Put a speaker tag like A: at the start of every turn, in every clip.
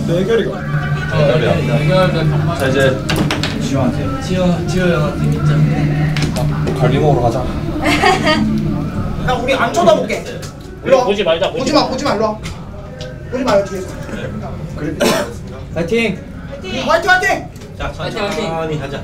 A: 대결이가.
B: 대결이야. 자 이제
C: 지효한테.
D: 지효 형한테 진짜.
B: 갈비 먹으러 가자.
A: 야 우리 안 쳐다볼게. 일로 와.
E: 보지 말자.
A: 보지 마 일로 와. 보지 마요 뒤에서. 그래.
D: 파이팅.
A: 화이팅.
C: 자, 천천히 하자.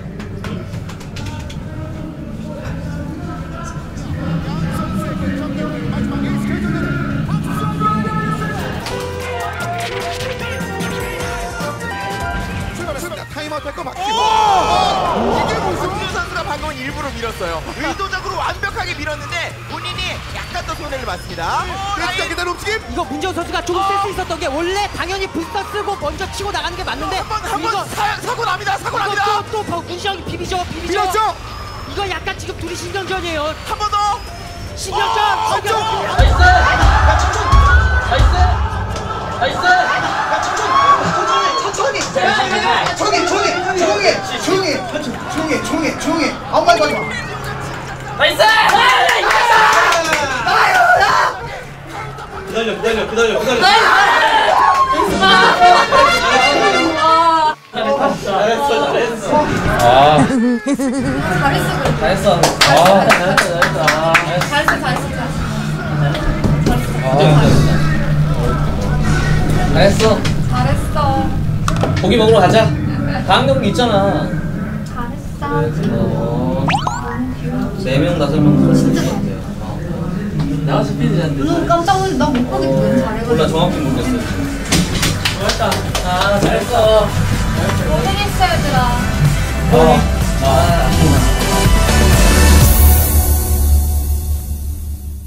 F: 타임아웃 할거 맞지? 이게 무슨 김준호 선수가 방금 일부러 밀었어요. 의도적으로 완벽하게 밀었는데 본인이 약간 더 손해를 봤습니다. 그래서 기다려 움직임.
G: 이거 문재훈 선수가 조금 센스 있었던 게 원래 당연히 부스터 쓰고 먼저 치고 나가는 게 맞는데
F: 한번 사고 납니다. 사고 납니다.
G: 또 문시영이 비비죠.
F: 밀었죠?
G: 이거 약간 지금 둘이 신경전이에요.
F: 한 번 더.
G: 신경전.
E: 나이스.
A: 조용히 아무 말도 하지 마.
E: 나이스.
C: 기다려.
B: 잘했어.
E: 잘했어. 잘했어.
H: 잘했어.
E: 고기 먹으러 가자. 다음 경기 있잖아.
H: 잘했어.
E: 4명 5명 그럴 것 같아요.
D: 내가 스피드한데.
H: 눈 깜짝 놀랐어. 나못 보겠어.
E: 몰라
H: 잘해가지고.
E: 정확히 모르겠어요. 잘했다. 잘했어.
H: 고생했어 얘들아.
E: 아.